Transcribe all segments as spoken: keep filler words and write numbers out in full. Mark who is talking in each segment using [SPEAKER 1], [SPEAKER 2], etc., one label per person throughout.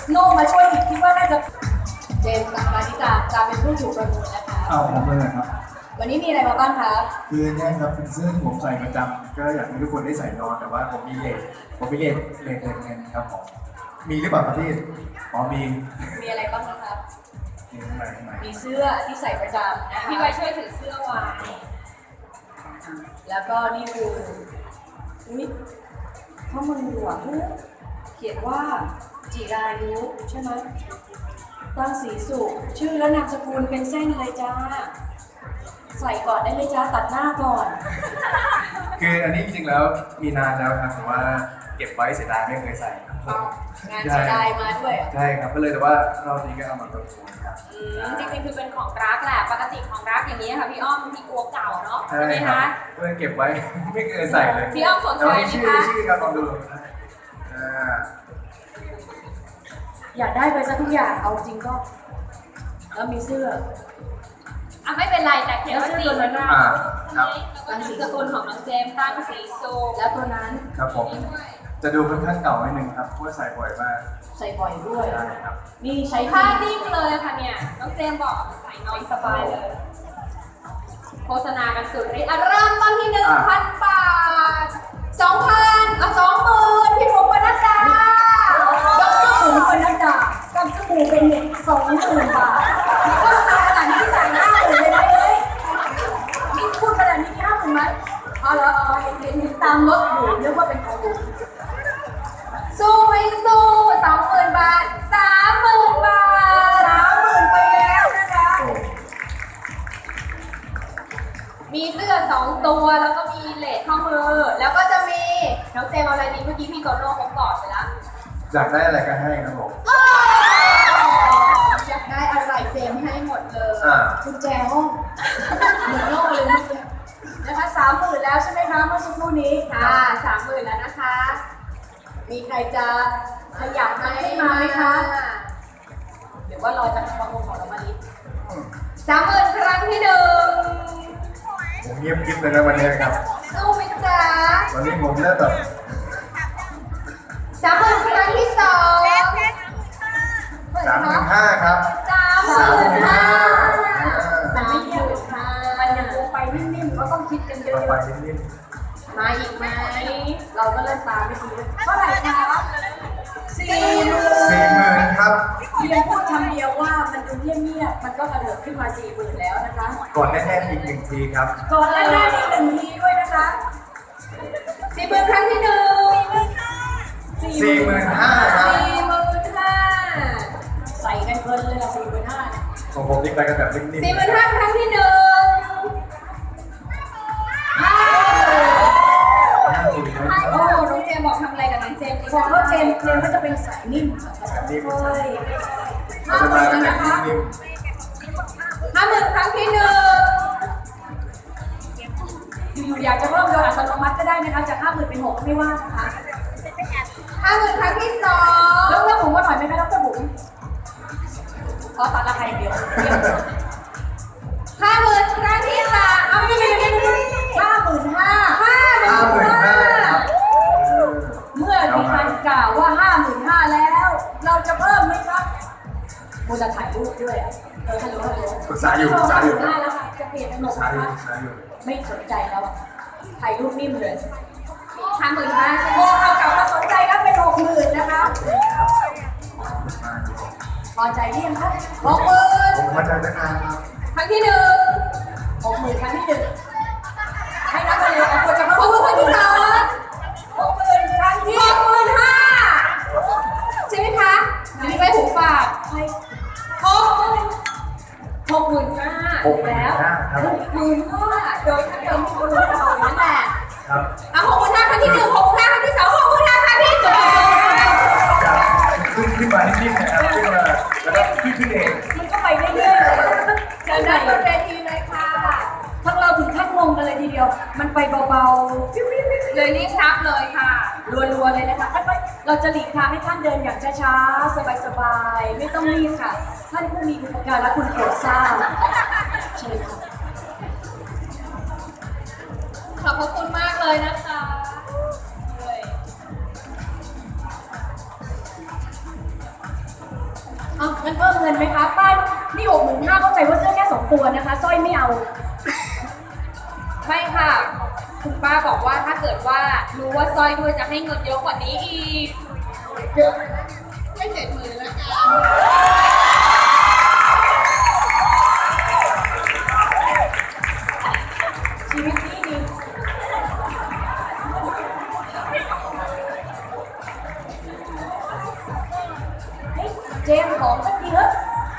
[SPEAKER 1] โน่มาช่วยอีกคิดว่าน่าจะเจมส์กับมานิกาจะเป็นผู้ถูกประมูลนะคะ
[SPEAKER 2] เอาผมเลยครับ
[SPEAKER 1] วันนี้มีอะไรมาบ้างคะ
[SPEAKER 2] คือเนี่ยครับเป็นเสื้อที่ผมใส่ประจำก็อยากให้ทุกคนได้ใส่นอนแต่ว่าผมมีเลทผมมีเลทเลทเงินครับผมมีหรือเปล่าครับพี่อ๋อมี
[SPEAKER 1] มีอะไรบ้างนะคะ
[SPEAKER 2] มีข้างในข้างใน
[SPEAKER 1] มีเสื้อที่ใส่ประจำนะคะ
[SPEAKER 3] พี่ไว้ช่วยถือเสื้อไว้
[SPEAKER 1] แล้วก็นี่คืออุ้ยข้อมือหวานเขียนว่าจิรายุใช่ไหมตั้งสีสุขชื่อและนามสกุลเป็นเส้นเลยจ้าใส่ก่อนได้เลยจ้าตัดหน้าก่อน
[SPEAKER 2] คืออันนี้จริงๆแล้วมีนานแล้วครับแต่ว่าเก็บไว้เสียดายไม่เคยใส่ครับ
[SPEAKER 1] เอางานเสียดายมาด้วยเหรอ
[SPEAKER 2] ใช่ครับก็เลยแต่ว่ารอบนี้ก็เอามาประมูลครับ
[SPEAKER 3] อืมจริงๆคือเป็นของรักแหละปกติของรักอย่างนี้ค่ะพี่อ้อมพี่กลัวเก่าเนาะ
[SPEAKER 2] ใช่
[SPEAKER 3] ใช่ไหม
[SPEAKER 2] ครั
[SPEAKER 3] คะ
[SPEAKER 2] บก็เลยเก็บไว้ ไม่เคยใส่เลย
[SPEAKER 3] พี่อ้อมสนใจไหม
[SPEAKER 2] ชื่อ
[SPEAKER 3] คะ
[SPEAKER 2] ชื่อครับลองดูอ่า
[SPEAKER 1] อยากได้ไปซะทุกอย่างเอาจริงก็ แล้วมีเสื้อ
[SPEAKER 3] อ่ะไม่เป็นไรแต่เขียนว่าจีนนะ
[SPEAKER 2] อ่าครับ
[SPEAKER 3] แล้วก็นามสกุลของน้องเจมส์ตั้งสีสูง
[SPEAKER 1] แล้วตัวนั้น
[SPEAKER 2] ครับผมจะดูค่อนข้างเก่านิดนึงครับเพราะว่าใส่บ่อยมาก
[SPEAKER 1] ใส่บ่อยด้วย
[SPEAKER 2] ใช่ครับ
[SPEAKER 1] นี่ใช้
[SPEAKER 3] ผ้า
[SPEAKER 1] ผ้า
[SPEAKER 3] นิ่มเลยค่ะเนี่ยน้องเจมส์บอกใส่นอนสบายเลย โฆษณากันสุดฤทธิ์อ่ะเริ่มต้นที่หนึ่งพันบาทสองพันอ่ะสองหมื่นพี่ผมปนัดดา
[SPEAKER 1] ดรหมูปนัดดากับสบู่เป็นเน็ตสองหมื่นบาทโฆษณาขนาดนี้จ่ายห้าหมื่นเลยไหมเอ้ยนี่พูดขนาดนี้ห้าหมื่นไหมเอาละเอาเห็นเห็นเห็นตามรถอยู่นึกว่าเป็นของผม
[SPEAKER 3] สู้ไม่สู้สองหมื่นบาทสามหมื่นบาท
[SPEAKER 1] สามหมื่นไปแล้วนะคะ
[SPEAKER 2] โอ้
[SPEAKER 3] มีเสื้อสองตัวแล้วก็มีเลสข้อมือ แล้วก็จะมีน้องเจมส์เอาอะไรดีเมื่อกี้พี่โตโน่เขากอดไปแล้ว
[SPEAKER 2] อยากได้อะไรก็ให้ครับผม
[SPEAKER 3] อยากได้อะไรเจมส์ให้หมดเลย
[SPEAKER 2] อ่า
[SPEAKER 1] กุญแจห้องเหมือนโลกเลยเมื่อกี้นะคะสามหมื่นแล้วใช่ไหมคะเมื่อสักครู่นี้
[SPEAKER 3] ค่ะสามหมื่นแล้วนะคะ
[SPEAKER 1] มีใครจะขยับมาขึ้นมาไหมคะหรือว่ารอจากประมูลของเรามาลิศ
[SPEAKER 3] สามหมื่นครั้งที่หนึ่ง
[SPEAKER 2] ผมเงียบกิ๊บเลยนะวันนี้ครับ
[SPEAKER 3] สู้ไหมจ๊ะ
[SPEAKER 2] วันนี้ผมเริ่มแบบ
[SPEAKER 3] สามหมื่นครั้งที่สอง
[SPEAKER 2] สามหมื่นห้าครับ
[SPEAKER 3] สามหมื่นห้า
[SPEAKER 1] แต่ไม่เยอะค่ะมันยังลงไปนิ่มๆก็ต้องคิดกันเย
[SPEAKER 2] ต่อ
[SPEAKER 1] อะ
[SPEAKER 2] ไปนิ่ม
[SPEAKER 3] มาอีกไหม
[SPEAKER 1] ๆเราก็เล่นตามไม่ดีเลยเท่าไหร่คะสี่หมื่
[SPEAKER 2] ๆสี่
[SPEAKER 1] น
[SPEAKER 2] หมื่นครับ
[SPEAKER 1] เพียงพูดคำเดียวว่ามันดูเงียบๆมันก็กระเดิดขึ้นมาสี่หมื่นแล้วนะคะ
[SPEAKER 2] กดแน่ๆอีกหนึ่งทีครับ
[SPEAKER 1] ก่อนแรกๆอีกหนึ่งทีด้วยนะคะ
[SPEAKER 3] สี่หมื่นครั้งที่หนึ่ง
[SPEAKER 2] สี่หมื่นห้าครับ
[SPEAKER 3] สี่หมื่นห้า
[SPEAKER 1] ใส่กันเพลินเลยละสี่หมื่นห้า
[SPEAKER 2] ของผมนี่ไปกันแบบนิ่ม
[SPEAKER 3] สี่หมื่นห้าครั้งที่หนึ่งห้า
[SPEAKER 2] ๆห้าทีนะ
[SPEAKER 3] โอ้น้องเจมส์บอกทำอะไรกับน้องเจมส์ดี
[SPEAKER 1] พอเขาเจมส์เจมส์ก็จะเป็นสายนิ่ม
[SPEAKER 2] แบบนิ่ม
[SPEAKER 1] เฮ้ย
[SPEAKER 2] เราจะมากันแบบนิ่ม
[SPEAKER 3] ห้าหมื่นครั้งที่หนึ่ง
[SPEAKER 1] อยู่ๆอยากจะเพิ่มโดยอัตโนมัติก็ได้นะคะจากห้าหมื่นเป็นหกไม่ว่านะคะ
[SPEAKER 3] ห้าหมื่นครั้งที่สอง
[SPEAKER 1] แล้วเรื่องผมมาหน่อยไหมคะดรบุ๋มขอตัดราคาอย่างเดียว
[SPEAKER 3] ห้าหมื่นครั้งที่สามเอาไม่ไม่ไม่ไม่ไม่
[SPEAKER 1] ห้าหมื่นห้า
[SPEAKER 3] ห้าหมื่
[SPEAKER 2] ห้าน หมื่น
[SPEAKER 3] ห้า
[SPEAKER 2] ห้าครับ
[SPEAKER 1] เมื่อมีการกล่าวว่าห้าหมื่นห้าแล้ว เราจะเพิ่มไหมครับโมจะถ่ายรูปด้วยอ่ะเออฮัลโหลฮัลโหล
[SPEAKER 2] ปรึกษาอยู่ปรึกษาอยู่
[SPEAKER 1] ห้าแล้วค่ะจะเปลี่ยนเป็นห
[SPEAKER 2] ปรึ
[SPEAKER 1] ก
[SPEAKER 2] กษา
[SPEAKER 1] นะ
[SPEAKER 2] อยู่
[SPEAKER 1] คะ
[SPEAKER 2] ปรึกษาอยู่
[SPEAKER 1] ไม่สนใจแล้วอะถ่ายรูปนิ่มเลย
[SPEAKER 3] ห้าหมื่นห้า
[SPEAKER 1] โอ้เอากลับมาสนใจครับเป็นหกหมื่นนะคะ พอใจหรือยังครับหกหมื่น
[SPEAKER 2] ผมมาจากตั้งนานครับ
[SPEAKER 3] ครั้งที่หนึ่ง
[SPEAKER 1] หกหมื่นครั้งที่หนึ่งให้นับไปเลยเอาควรจะ
[SPEAKER 3] หกหมื่นครั้งที่สอง
[SPEAKER 1] หกหมื่นครั้งที่
[SPEAKER 3] หกหมื่นห้าใช่ไหมคะมีไปหูฝาด
[SPEAKER 1] ใคร
[SPEAKER 3] หกหมื่นหกหมื่นห้า
[SPEAKER 2] หกหมื่น
[SPEAKER 3] แล้ว
[SPEAKER 2] ห้าครับ
[SPEAKER 3] หกหมื่นห้าโดยทั้งเดิมคุณรู้ต่อนั่นแหละ
[SPEAKER 2] ครับ
[SPEAKER 3] อ่ะหกหมื่นห้าครั้งที่หนึ่งหกหมื่นห้าครั้งที่สองหกหมื่นห้าครั้งที่สาม
[SPEAKER 2] ครับขึ้นขึ้นมานิ่มๆนะครับขึ้นมาแล้วก็ขึ้นขึ้นเอง
[SPEAKER 1] มันก็ไปเรื่อยๆเลย
[SPEAKER 3] เชิญด้านบนเวทีเลยค่ะ
[SPEAKER 1] ทั้งเราถึงขั้นงงกันเลยทีเดียว มันไปเบาๆปิ๊วๆ
[SPEAKER 3] เลยรีบนับเลยค่ะ
[SPEAKER 1] ๆรัวๆเลยนะคะค่อยๆเราจะหลีกทางให้ท่านเดินอย่างช้าๆ สบายๆ ไม่ต้องรีบค่ะ ท่านผู้มีอุปการและคุณโปรดทราบเชิญค่ะ
[SPEAKER 3] ขอบพระคุณมากเลยนะคะเลย
[SPEAKER 1] เอางั้นเพิ่มเงินไหมคะป้านี่หกหมื่นห้าเข้าใจว่าเสื้อแค่สองตัวนะคะสร้อยไม่เอา
[SPEAKER 3] ไม่ค่ะ คุณป้าบอกว่าถ้าเกิดว่ารู้ว่าสร้อยด้วยจะให้เงินเยอะกว่านี้อีกไม่เจ็ดหมื่นแล้วกัน
[SPEAKER 1] ชีวิตนี้ดีเฮ้ยเจมส์ของสักทีเถอะ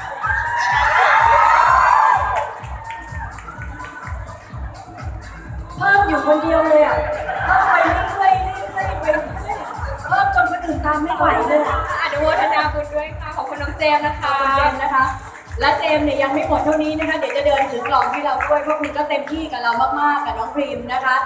[SPEAKER 1] เพิ่มอยู่คนเดียวเลยอ่ะเพิ่มไปเรื่อยๆเรื่อยๆไปเรื่อยๆเพิ่มจนคนอื่นตามไม่ไหวเลยอะ
[SPEAKER 3] อนุโมทนาบุญด้วยค่ะขอบคุณน้องเจมส์นะคะ
[SPEAKER 1] ขอบคุณเจมส์นะคะ และเจมส์เนี่ยยังไม่หมดเท่านี้นะคะ เดี๋ยวจะเดินถึงกล่องให้เราด้วยเพราะคุณก็เต็มที่กับเรามากๆกับน้องพรีมนะคะ